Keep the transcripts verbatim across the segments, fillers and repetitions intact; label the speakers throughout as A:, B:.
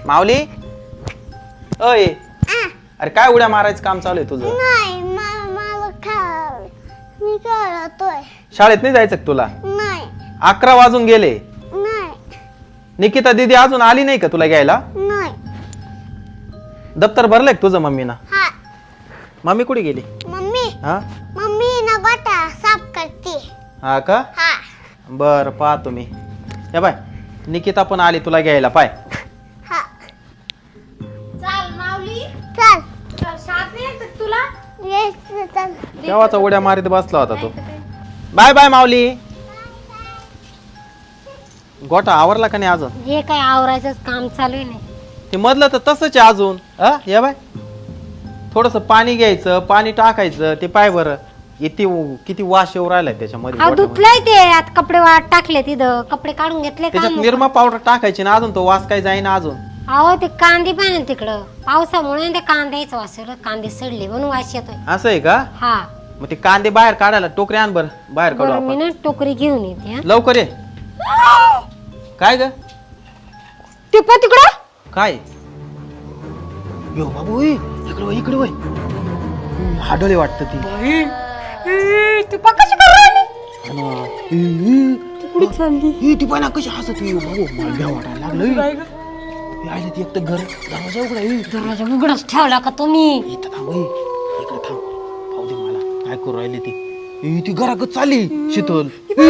A: माऊली अय अरे काय उड्या मारायचं काम चालू आहे तुझं?
B: नाही मला खेळ मी खेळतोय.
A: शाळेत नाही जायचं का तुला?
B: नाही
A: अकरा वाजून गेले.
B: नाही
A: निकिता दीदी अजून आली नाही का तुला घ्यायला?
B: नाही.
A: दप्तर भरलंय का तुझं मम्मीना?
B: हा
A: मम्मी कुठे गेली?
B: मम्मी
A: हा
B: मम्मी ना गोटा साफ करते.
A: हा का?
B: हा
A: बर पाहतो मी. या बाय निकिता पण आली तुला घ्यायला पाय.
B: हा
C: चल माऊली
B: चल
C: चल शाळेत नाही येत तुला
B: येस चल.
A: केव्हाचा उड्या मारीत बसला होता तो. Bye bye Mauli. गोटा आवरला का नाही अजून?
C: हे काय आवरायचंच काम चालू आहे. नाही
A: ते मधलं तर तसंच आहे अजून. हा या बाय थोडस पाणी घ्यायचं, पाणी टाकायचं. ते पाय बरं किती किती वास येऊ राहिलाय त्याच्यामध्ये.
C: हा
A: गोठ्यामध्ये.
C: धुतलंय ते आता कपडे वाट टाकले तिथं कपडे काढून घेतले
A: त्याच्यात
C: काम
A: निरमा पावडर टाकायची ना अजून तो वास काय जाईना अजून.
C: अहो ते कांदे पण आहे तिकडं पावसामुळे ते कांद्याचं वास येतो. कांदे सडले म्हणून वास येतोय.
A: असं आहे का?
C: हा
A: मग ते कांदे बाहेर काढायला टोकरी आण बर बाहेर काढू
C: बरं मी
A: आपण.
C: ना टोकरी घेऊन येते. हा.
A: लवकर ये. काय ग?
C: ते पण तिकडं
A: काय यो बाबू ओय, इकडे वळ, इकडे वळ. हाडोले वाटत ती.
C: तू कशी करणार
A: कुठे चालली ती? पाहिना कशी हसत बाबू. मला भ्या वाटायला लागलं. आले ती एक तर घर दरवाजा उघडा.
C: दरवाजा उघडच ठेवला का तुम्ही?
A: इथं थांब ओय, इकडे थांब. पाहू दे मला काय करू राहिली ती. ए, ती घराकच चालली शीतल.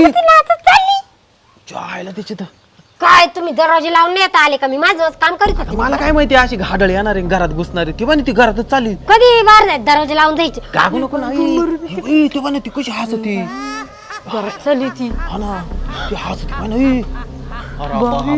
A: जायला त्याची तर
C: काय तुम्ही दरवाजे लावून नाही आले का? मी माझं काम करीत होते.
A: मला काय माहिती अशी घाडळ येणार आहे घरात घुसणार आहे. ती पण ती घरातच चालली.
C: कधी बाहेर जायचं दरवाजे लावून जायचे.
A: गागू नको ना. ए, ती पण ती कशी हसती.
C: घरात चालली ती.
A: हा ना ती हसती पण. अरे बापरे.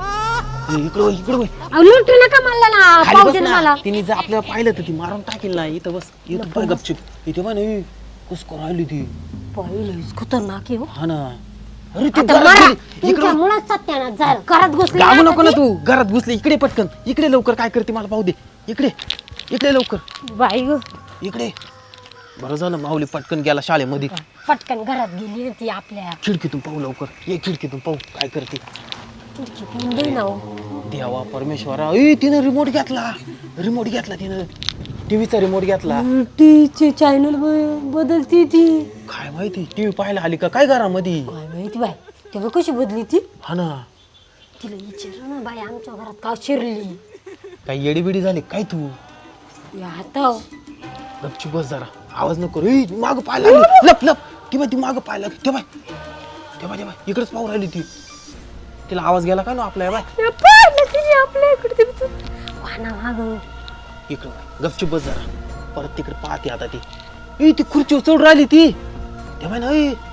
A: ए, इकडे वळ, इकडे वळ.
C: अहो, लुटू नका मला ना
A: खाली
C: पाहू
A: बस
C: दे ना
A: ना.
C: मला.
A: तिने जर आपल्याला पाहिलं तर ती मारून टाकेल ना. इथं बस इथं पण गपचिप. इथे पण कस राहिली ती.
C: पहिलेच खतरनाक आहे हो.
A: हा ना. अरे ती
C: आता
A: घरात
C: मला
A: गेली. इकडे
C: तुमच्या मुळात सत्यानाश झालं. घरात घुसली
A: गागू
C: ना
A: नको ना
C: ती.
A: तू. घरात घुसली. इकडे पटकन इकडे लवकर. काय करते मला पाहू दे. इकडे इकडे लवकर
C: बाई गं,
A: इकडे. बरं झालं माऊली पटकन गेला शाळेमध्ये.
C: पटकन घरात गेली ती आपल्या.
A: खिडकीतून पाहू लवकर. ये खिडकीतून पाहू काय करते.
C: खिडकीतून दे ना हो.
A: देवा परमेश्वरा. ए तिनं रिमोट घेतला. रिमोट घेतला तिनं. टीव्हीचा रिमोट घेतला.
C: टीचे चॅनल बदलती ती.
A: काय माहिती टीव्ही पाहायला आली का काय घरामध्ये?
C: काय माहिती बाई तेव्हा कशी बदली ती.
A: हा ना.
C: तिला विचार ना बाई आमच्या घरात का शिरली.
A: काय येडीबिडी झाली काय तू?
C: या आता
A: गपची बस जरा. आवाज नको. ए माग पाहायला लागली. लप लप. ती बाई ती माग पाहायला लागली. ते बाय ते बाय ते बाय इकडेच पाहू राहिली ती. तिला आवाज गेला का ना आपल्या बाय
C: आपल्या इकडे वाना माग
A: इकडे गपची बस जरा. परत तिकडे पाहते आता ती. ए ती खुर्ची चढ राहिली ती. ते बाय ना.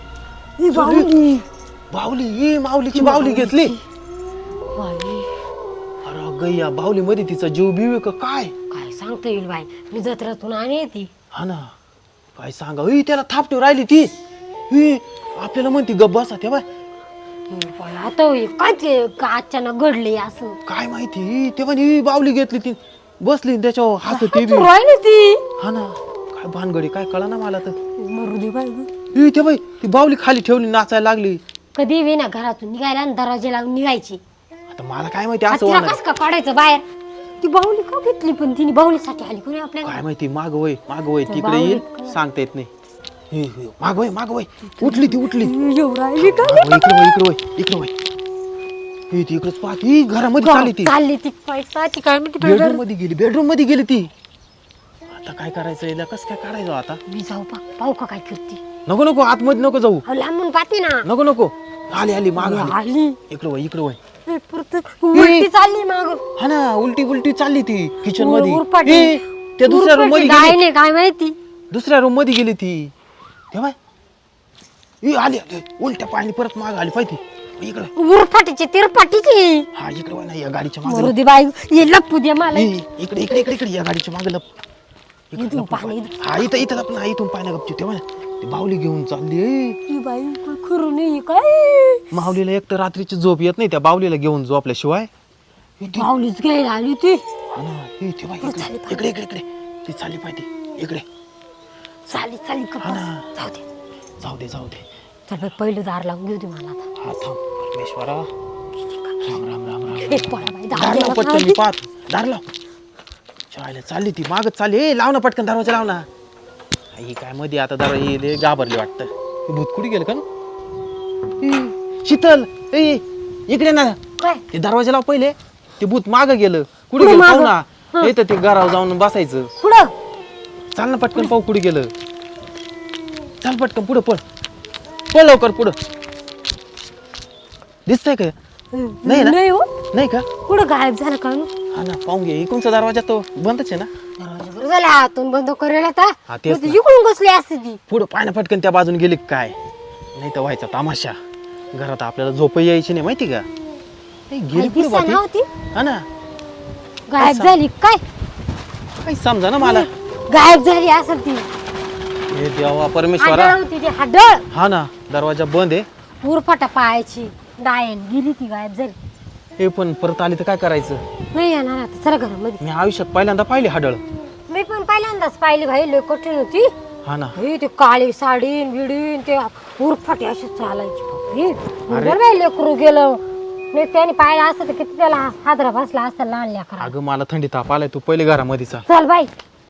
A: ए
C: बाहुली
A: बाहुली. ए माऊलीची बाहुली घेतली.
C: बाई
A: अरे गैया बाहुली मध्ये तिचा जीव बिव का काय?
C: काय सांगता येईल बाई. मी जत्रेतून आणि ती.
A: हा ना काय सांगा. ए त्याला थापटू राहिली ती. ए आपल्याला म्हणती गप बसा. ते बाय
C: बाई आता होय. काय ते का अचानक घडले असं
A: काय माहिती. ते पण ही बावली घेतली ती बसली त्याच्यावर हसत ती बी.
C: राहिली ती.
A: हा ना काय भानगडी काय कळा ना मला तर.
C: मरू दे बाई गं.
A: ए ते बाई ती बावली खाली ठेवली नाचायला लागली.
C: कधी बी ना घरातून निघायला आणि दरवाजे लावून निघायची.
A: आता मला काय माहिती असं
C: तिला
A: होणार.
C: कस का काढायचं बाहेर. ती बाहुली का घेतली पण तिने बाहुलीसाठी आली कोणी आपल्याला.
A: काय माहिती. माग वय माग वय
C: त्या
A: तिकडे येईल
C: बाहुलीत
A: सांगता येत नाही. हे, हे, माग वय माग वय उठली ती उठली.
C: एवढं राहिली का
A: इकडे वय इकडे वय इकडे वय. ही ती इकडेच पाहत. ही घरामध्ये चालली ती.
C: चालली ती पैसा ती काय म्हणते
A: बेडरूम मध्ये गेली. बेडरूम मध्ये गेली ती. आता काय करायचं याला कसं काय काढायचं आता?
C: मी जाऊ पा पाहू का काय करते.
A: नको नको आतमध्ये नको जाऊ.
C: अहो लांबून पाहते ना.
A: नको नको. आली आली माग आली.
C: आली
A: इकडे वय इकडे वय.
C: ए, परत उलटी चालली माग.
A: हा ना उलटी उलटी चालली ती किचन
C: उर-
A: मध्ये.
C: उरपाटी.
A: ए, त्या दुसऱ्या रूम मध्ये
C: काय
A: गेली.
C: नाही काय माहिती.
A: दुसऱ्या रूम मध्ये गेली ती. तेव्हा ए आली आली. उलट्या पाणी परत माग आली पाहिजे. इकडे
C: उरफाटीची तिरफाटीची.
A: हा इकडे वळ ना या गाडीच्या
C: मरू
A: मागे.
C: दे बाई ये लपू दे मला.
A: इकडे इकडे इकडे इकडे या गाडीच्या मागे लप. इकडे
C: इथून
A: लप.
C: पाणी.
A: हा इथं इथं लप ना. इथून पाय ना गपची. तेव्हा ती बाहुली घेऊन चालली. ए,
C: ही बाई काय खरं नाही काय.
A: माऊलीला एक तर रात्रीची झोप येत नाही त्या बाहुलीला घेऊन झोपल्याशिवाय.
C: बाहुलीच घ्यायला आली ती.
A: हा ना. ए, तेव्हा इकडे इकडे इकडे इकडे ती चालली पाहिजे इकडे.
C: चाली चाली का
A: हा ना.
C: जाऊ दे.
A: जाऊ दे जाऊ दे.
C: चल बाई पहिलं दार लावून घेऊ दे मला आता.
A: हा थांब परमेश्वरा. राम राम राम राम.
C: एक पळा बाई
A: दार लाव पटकन मी पाहतो दार लाव चायला चालली ती मागच चालली ए लाव ना पटकन दरवाजा लाव ना ही काय मध्ये आता दरवाजा घाबरली वाटतं हे भूत कुठे गेलं का ना ए, शीतल ए इकडे ना
C: काय
A: ते दरवाजा लाव पहिले ते भूत माग गेलं कुठे
C: कुठं
A: गेलं
C: मागं?
A: पाहू ना येतं ते घरावर जाऊन बसायचं
C: पुढं
A: चाल ना पटकन पाहू कुठे गेलं चाल पटकन पुढं पळ पळ लवकर पुढं दिसतंय का नाही ना?
C: नाही हो
A: नाही का
C: पुढं गायब झालं का नु?
A: हा ना पाहून घे इकडचा दरवाजा तो बंदच आहे ना
C: दरवाजा बरं झाला आतून बंद करेल आता
A: हा, तेच
C: मग ती
A: ना.
C: इकडून घुसली असते ती
A: पुढं पाय ना पटकन त्या बाजून गेली का काय नाही तर व्हायचा तमाशा घरात आपल्याला झोप यायची नाही माहिती का ए, गेली पुढे
C: दिसा
A: बाकी
C: नव्हती
A: हा ना
C: गायब
A: असं.
C: झाली काय
A: काही समजा ना मला
C: गायब झाली असेल ती
A: हे देवा परमेश्वरा
C: हाडळ होती ती हाडळ
A: हा ना दरवाजा बंद आहे
C: उरफाटा पायाची डायन गेली ती गायब झाली
A: हे पण परत आली तर काय करायचं
C: नाही येणार आता चला घरामध्ये
A: मी आयुष्यात पहिल्यांदा पाहिली हाडळ
C: मी पण पहिल्यांदाच पाहिली भाई लय कठीण होती
A: हा ना
C: हे ते काळी साडीन बिडीन ते उरफाटे अशी चालायची बापरे.
A: अरे.
C: बरं बाई लेकरू गेलं नाही त्याने पाहिलं असतं तर किती त्याला हादरा बसला असता लहान लेकरा
A: अगं मला थंडी ताप आलाय तू पहिले घरामध्ये चा
C: चल बाई